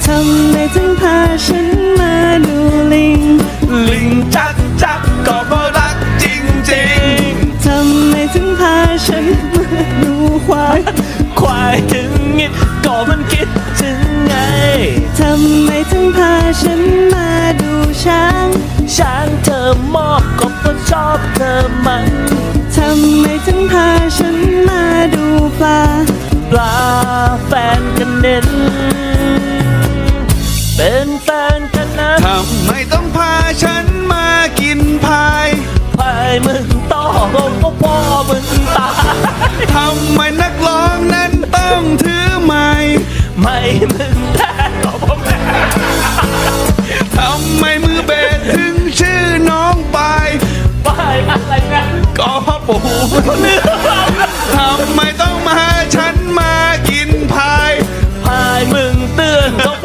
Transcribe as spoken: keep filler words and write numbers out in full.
ทำไมถึงพาฉันมาดูลิงลิงจักจักก็เพราะรักจริงจริงทำไมถึงพาฉันมาดูควายควายถึงงิดก็มันคิดถึงไงทำไมถึงพาฉันมาดูช้างช้างเธอมอบก็เพราะชอบเธอมันทำไมถึงพาฉันมาดูปลาปลาแฟนกันเน้น